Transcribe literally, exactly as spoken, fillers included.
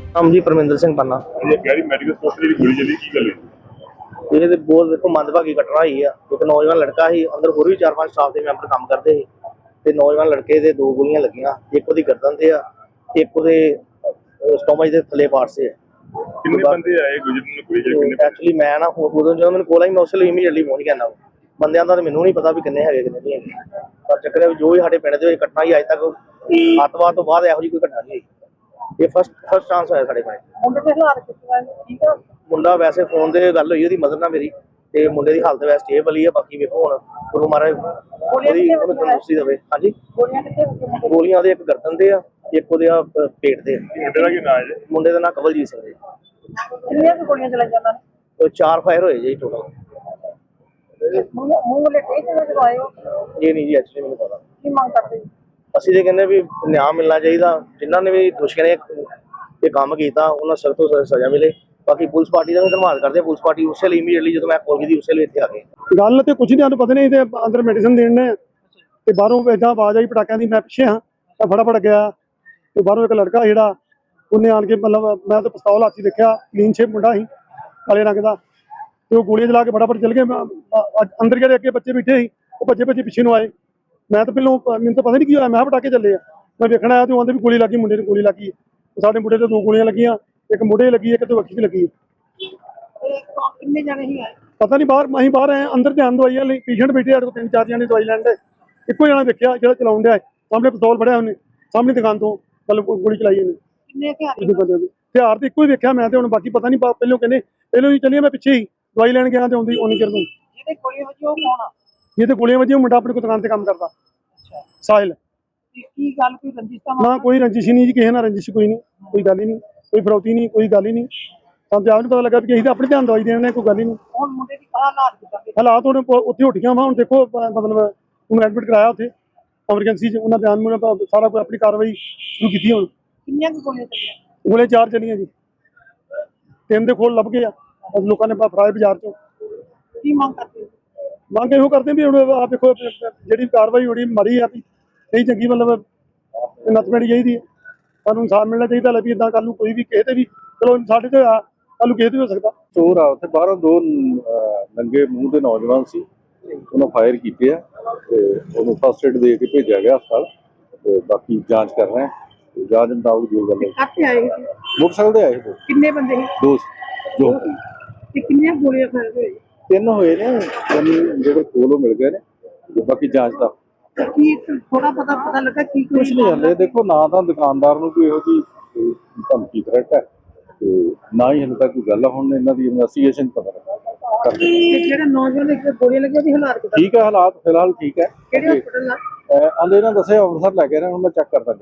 ਨਾਮ ਜੀ ਪਰਮਿੰਦਰ ਸਿੰਘ ਪੰਨਾ। ਇਹ ਗੈਰੀ ਮੈਡੀਕਲ ਸਟੋਰ ਦੀ ਗੋਲੀ ਚੱਲੀ ਕੀ ਗੱਲ ਹੈ? ਇਹ ਤੇ ਬਹੁਤ ਦੇਖੋ ਮੰਦਭਾਗੀ ਘਟਨਾ ਹੋਈ ਆ। ਇੱਕ ਨੌਜਵਾਨ ਲੜਕਾ ਸੀ, ਅੰਦਰ ਹੋਰ ਵੀ ਚਾਰ ਪੰਜ ਸਟਾਫ ਦੇ ਮੈਂਬਰ ਕੰਮ ਕਰਦੇ ਸੀ ਤੇ ਨੌਜਵਾਨ ਲੜਕੇ ਦੇ ਦੋ ਗੋਲੀਆਂ ਲੱਗੀਆਂ, ਇੱਕ ਉਹਦੀ ਗਰਦਨ ਤੇ ਆ, ਇੱਕ ਉਹਦੇ ਸਟੋਮਚ ਦੇ ਥੱਲੇ ਪਾਰਟ ਸੇ ਆ। ਕਿੰਨੇ ਬੰਦੇ ਆਏ ਗੁਜਰਨ ਨੂੰ ਗੋਲੀ ਚੱਲੀ? ਕਿੰਨੇ? ਐਕਚੁਅਲੀ ਮੈਂ ਨਾ ਉਦੋਂ ਜਦੋਂ ਮੈਨੂੰ ਕੋਲ ਆਈ ਮੈਂ ਉਸ ਲਈ ਇਮੀਡੀਏਟਲੀ ਪਹੁੰਚ ਗਿਆ ਨਾ। ਬੰਦਿਆਂ ਦਾ ਤਾਂ ਮੈਨੂੰ ਨਹੀਂ ਪਤਾ ਵੀ ਕਿੰਨੇ ਹੈਗੇ ਕਿੰਨੇ ਨਹੀਂ ਹੈਗੇ, ਪਰ ਚੱਕਰ ਹੈ ਵੀ ਜੋ ਵੀ ਸਾਡੇ ਪਿੰਡ ਦੇ ਵਿੱਚ ਘਟਨਾ ਹੀ ਅੱਜ ਤੱਕ ਅੱਤਵਾਦ ਤੋਂ ਬਾਅਦ ਇਹੋ ਜਿਹੀ ਕੋਈ ਘਟਨਾ ਨਹੀਂ ਹੋਈ। ਇਹ ਫਸਟ ਫਸਟ ਚਾਂਸ ਹੋਇਆ ਸਾਡੇ ਪਿੰਡ। ਮੁੰਡੇ ਦੇ ਹਾਲਾਤ ਠੀਕ ਆ? ਮੁੰਡਾ ਵੈਸੇ ਫੋਨ ਤੇ ਗੱਲ ਹੋਈ ਉਹਦੀ ਮਦਰ ਨਾਲ ਮੇਰੀ, ਤੇ ਮੁੰਡੇ ਦੀ ਹਾਲਤ ਵੈਸੇ ਸਟੇਬਲ ਹੀ ਆ। ਬਾਕੀ ਵੇਖੋ ਹੁਣ ਗੁਰੂ ਮਹਾਰਾਜ ਉਹਦੀ ਉਹਨੂੰ ਤੰਦਰੁਸਤੀ ਦੇਵੇ। ਹਾਂਜੀ, ਗੋਲੀਆਂ ਕਿੱਥੇ? ਗੋਲੀਆਂ ਉਹਦੇ ਇੱਕ ਗਰਦਨ ਤੇ ਆ, ਇੱਕ ਉਹਦੇ ਆ ਪੇਟ ਤੇ। ਮੁੰਡੇ ਦਾ ਕੀ ਨਾਮ ਹੈ? ਮੁੰਡੇ ਦਾ ਨਾਮ ਕਵਲਜੀਤ ਸਿੰਘ ਜੀ। ਕਿੰਨੀਆਂ ਗੋਲੀਆਂ ਚਲਾਈਆਂ ਉਹਨਾਂ ਨੇ? ਚਾਰ ਫਾਇਰ ਹੋਏ ਜੀ ਟੋਟਲ। ਮੂੰਹ ਵਾਲੇ ਟੇਕ ਨਾਲ ਚਲਾਏ ਹੋ? ਇਹ ਨਹੀਂ ਜੀ ਐਕਚੁਅਲੀ ਮੈਨੂੰ ਪਤਾ। ਕੀ ਮੰਗ ਕਰਦੇ? ਅਸੀਂ ਤੇ ਕਹਿੰਦੇ ਵੀ ਨਿਆਂ ਮਿਲਣਾ ਚਾਹੀਦਾ, ਜਿਨ੍ਹਾਂ ਨੇ ਵੀ ਦੋਸ਼ੀਆਂ ਨੇ ਇਹ ਕੰਮ ਕੀਤਾ ਉਹਨਾਂ ਸਖਤ ਤੋਂ ਸਜ਼ਾ ਮਿਲੇ। ਬਾਕੀ ਪੁਲਿਸ ਪਾਰਟੀ ਦਾ ਵੀ ਧੰਨਵਾਦ ਕਰਦੇ ਆ। ਪੁਲਿਸ ਪਾਰਟੀ ਉਸੇ ਲਈ ਇਮੀਡੀਏਟਲੀ ਜਦੋਂ ਮੈਂ ਕਾਲ ਕੀਤੀ ਉਸੇ ਲਈ ਇੱਥੇ ਆ ਗਏ। ਗੱਲ ਤੇ ਕੁਝ ਨਹੀਂ, ਸਾਨੂੰ ਪਤਾ ਨਹੀਂ ਤੇ ਅੰਦਰ ਮੈਡੀਸਨ ਦੇਣ ਨੇ ਤੇ ਬਾਹਰੋਂ ਇਦਾਂ ਆਵਾਜ਼ ਆਈ ਪਟਾਕਿਆਂ ਦੀ। ਮੈਂ ਪਿੱਛੇ ਹਾਂ, ਮੈਂ ਫਟਾਫਟ ਗਿਆ ਤੇ ਬਾਹਰੋਂ ਇੱਕ ਲੜਕਾ ਜਿਹੜਾ ਉਹਨੇ ਆਣ ਕੇ ਮਤਲਬ ਮੈਂ ਤਾਂ ਪਿਸਤੌਲ ਹੱਥ 'ਚ ਦੇਖਿਆ, ਕਲੀਨ ਸ਼ੇਪ ਮੁੰਡਾ ਸੀ ਕਾਲੇ ਰੰਗ ਦਾ, ਤੇ ਉਹ ਗੋਲੀਆਂ ਚਲਾ ਕੇ ਫਟਾਫਟ ਚਲ ਗਏ। ਅੰਦਰ ਜਿਹੜੇ ਅੱਗੇ ਬੱਚੇ ਬੈਠੇ ਸੀ ਉਹ ਬੱਚੇ ਬੱਚੇ ਪਿੱਛੇ ਨੂੰ ਆਏ। ਮੈਂ ਤਾਂ ਪਹਿਲਾਂ ਮੈਨੂੰ ਤਾਂ ਪਤਾ ਨਹੀਂ ਕੀ ਹੋਇਆ, ਮੈਂ ਪਟਾਕੇ ਚੱਲੇ ਆ। ਮੈਂ ਵੇਖਣ ਆਇਆ ਤੇ ਉਹਦੇ ਵੀ ਗੋਲੀ ਲੱਗੀ, ਮੁੰਡੇ ਨੂੰ ਗੋਲੀ ਲੱਗੀ। ਸਾਡੇ ਮੁੰਡੇ ਤੇ ਦੋ ਗੋਲੀਆਂ ਲੱਗੀਆਂ, ਇੱਕ ਮੁੰਡੇ ਲੱਗੀ, ਇੱਕ ਤੇ ਵੱਖੀ 'ਚ ਲੱਗੀ। ਕਿੰਨੇ ਜਣੇ ਹੀ ਆਏ ਪਤਾ ਨਹੀਂ, ਬਾਹਰ ਅਸੀਂ ਬਾਹਰ ਆਏ ਅੰਦਰ ਧਿਆਨ ਦਵਾਈਆਂ ਲਈ ਪੇਸ਼ੈਂਟ ਬੈਠੇ ਆ, ਤਿੰਨ ਚਾਰ ਜਣੇ ਦਵਾਈ ਲੈਣ ਦੇ। ਇੱਕੋ ਜਣਾ ਵੇਖਿਆ ਜਿਹੜਾ ਚਲਾਉਣ ਡਿਆ, ਸਾਹਮਣੇ ਪਿਸਤੌਲ ਫੜਿਆ ਉਹਨੇ, ਸਾਹਮਣੇ ਦੁਕਾਨ ਤੋਂ ਮਤਲਬ ਗੋਲੀ ਚਲਾਈ ਉਹਨੇ। ਕਿੰਨੇ ਹਥਿਆਰ ਤੇ ਇੱਕੋ ਹੀ ਵੇਖਿਆ ਮੈਂ ਤੇ। ਹੁਣ ਬਾਕੀ ਪਤਾ ਨਹੀਂ, ਪਹਿਲੋਂ ਕਹਿੰਦੇ ਪਹਿਲੋਂ ਹੀ ਚੱਲੀਏ, ਮੈਂ ਪਿੱਛੇ ਹੀ ਦਵਾਈ ਲੈਣ ਗਿਆ ਤੇ ਆਉਂਦੀ ਉਹਨੀ ਚਿਰ ਨੂੰ ਜਿਹਦੇ ਗੋਲੀਆਂ ਵੱਜੀਆਂ ਉਹ ਕੌਣ ਆ? ਇਹ ਤੇ ਗੋਲੀਆਂ ਵੱਜੀਆਂ ਮੁੰਡਾ ਆਪਣੀ ਦੁਕਾਨ ਤੇ ਕੰਮ ਕਰਦਾ। ਅੱਛਾ, ਸਾਹਿਲ। ਕੀ ਗੱਲ ਕੋਈ ਰੰਜਿਸ਼ ਦਾ? ਨਾ ਕੋਈ ਰੰਜਿਸ਼ ਹੀ ਨਹੀਂ ਜੀ, ਕਿਸੇ ਨਾਲ ਰੰਜਿਸ਼ ਕੋਈ ਨਹੀਂ, ਕੋਈ ਗੱਲ ਹੀ ਨਹੀਂ, ਕੋਈ ਫਰੌਤੀ ਨਹੀਂ, ਕੋਈ ਗੱਲ ਹੀ ਨਹੀਂ। ਸਾਨੂੰ ਤੇ ਆਪ ਨਹੀਂ ਪਤਾ ਲੱਗਾ ਵੀ ਅਸੀਂ ਤਾਂ ਆਪਣੇ ਧਿਆਨ ਦਵਾਈ ਦੇਣ ਨੇ, ਕੋਈ ਗੱਲ ਹੀ ਨਹੀਂ। ਹੁਣ ਮੁੰਡੇ ਦੀ ਹਾਲਾਤ ਕਿੱਦਾਂ ਦੇ? ਹਾਲਾਤ ਹੁਣ ਉੱਥੇ ਉੱਠੀਆਂ ਵਾ। ਹੁਣ ਦੇਖੋ ਮਤਲਬ ਉਹਨੂੰ ਐਡਮਿਟ ਕਰਾਇਆ ਉੱਥੇ ਐਮਰਜੈਂਸੀ 'ਚ। ਉਹਨਾਂ ਬਿਆਨ ਮੁਨ ਸਾਰਾ ਕੋਈ ਆਪਣੀ ਕਾਰਵਾਈ ਸ਼ੁਰੂ ਕੀਤੀ। ਹੁਣ ਕਿੰਨੀਆਂ ਗੋਲੀਆਂ ਚੱਲੀਆਂ? ਗੋਲੇ ਚਾਰ ਚੱਲੀਆਂ ਜੀ, ਤਿੰਨ ਦੇ ਖੋਲ ਲੱਭ ਗਏ ਆ ਲੋਕਾਂ ਨੇ ਫਰਾਏ ਬਾਜ਼ਾਰ 'ਚੋਂ। ਕੀ ਮੰਗ ਕਰਦੇ? ਮੰਗ ਇਹੋ ਕਰਦੇ ਵੀ ਹੁਣ ਆਹ ਦੇਖੋ ਜਿਹੜੀ ਕਾਰਵਾਈ ਹੋਣੀ ਮਾਰੀ ਆ ਵੀ ਨਹੀਂ ਚੰਗੀ, ਮਤਲਬ ਨੱਥ ਪੈਣੀ ਚਾਹੀਦੀ ਹੈ। ਸਾਨੂੰ ਇਨਸਾਫ ਮਿਲਣਾ ਚਾਹੀਦਾ। ਲੈ ਵੀ ਇੱਦਾਂ ਕੱਲ੍ਹ ਨੂੰ ਕੋਈ ਵੀ ਕਿਸੇ ਤੇ ਵੀ, ਚਲੋ ਸਾਡੇ ਤੇ ਆ, ਕੱਲ੍ਹ ਨੂੰ ਕਿਸੇ ਤੇ ਵੀ ਹੋ ਸਕਦਾ। ਚੋਰ ਆ ਉੱਥੇ ਬਾਹਰੋਂ ਦੋ ਨੰਗੇ ਮੂੰਹ ਦੇ ਨੌਜਵਾਨ ਸੀ, ਉਹਨਾਂ ਫਾਇਰ ਕੀਤੇ ਆ ਤੇ ਉਹਨੂੰ ਫਸਟ ਏਡ ਦੇ ਕੇ ਭੇਜਿਆ ਗਿਆ ਹਸਪਤਾਲ। ਤੇ ਬਾਕੀ ਜਾਂਚ ਕਰ ਰਹੇ ਹਾਂ, ਜਾਂਚ ਮੁਤਾਬਕ ਜੋ ਗੱਲ ਹੈ। ਕਾਹਤੇ ਆਏ? ਮੋਟਰਸਾਈਕਲ ਤੇ ਆਏ ਦੋ। ਕਿੰਨੇ ਬੰਦੇ ਸੀ? ਦੋ ਦੋ ਤੇ ਕਿੰਨੀਆਂ ਗੋਲੀਆਂ ਫਾਇਰ ਹੋਏ? ਤਿੰਨ ਹੋਏ ਨੇ, ਤਿੰਨ ਜਿਹੜੇ ਕੋਲੋਂ ਮਿਲ ਗਏ ਨੇ। ਬਾਕੀ ਜਾਂਚ ਦਾ ਕੀ ਥੋੜਾ ਪਤਾ ਪਤਾ ਲੱਗਾ ਕੀ ਕੁਛ ਨਹੀਂ ਹਲੇ। ਦੇਖੋ ਨਾ ਤਾਂ ਦੁਕਾਨਦਾਰ ਨੂੰ ਕੋਈ ਇਹੋ ਜਿਹੀ ਧਮਕੀ ਥ੍ਰੈਟ ਹੈ ਤੇ ਨਾ ਹੀ ਹਲੇ ਤੱਕ ਕੋਈ ਗੱਲ ਆ। ਹੁਣ ਇਹਨਾਂ ਦੀ ਇਨਵੈਸਟੀਗੇਸ਼ਨ ਪਤਾ ਲੱਗਾ। ਜਿਹੜਾ ਨੌਜਵਾਨ ਇੱਕ ਗੋਲੀਆਂ ਲੱਗੀਆਂ ਉਹਦੀ ਹਾਲਾਤ ਕਿੱਦਾਂ? ਠੀਕ ਹੈ, ਹਾਲਾਤ ਫਿਲਹਾਲ ਠੀਕ ਹੈ। ਕਿਹੜੇ ਹਸਪਤਾਲ ਦਾ? ਆਂਦੇ ਇਹਨਾਂ ਦੱਸਿਆ ਅੰਮ੍ਰਿਤਸਰ ਲੈ ਕੇ ਆਏ ਨੇ, ਹੁਣ ਮੈਂ ਚੈੱਕ ਕਰਦਾ।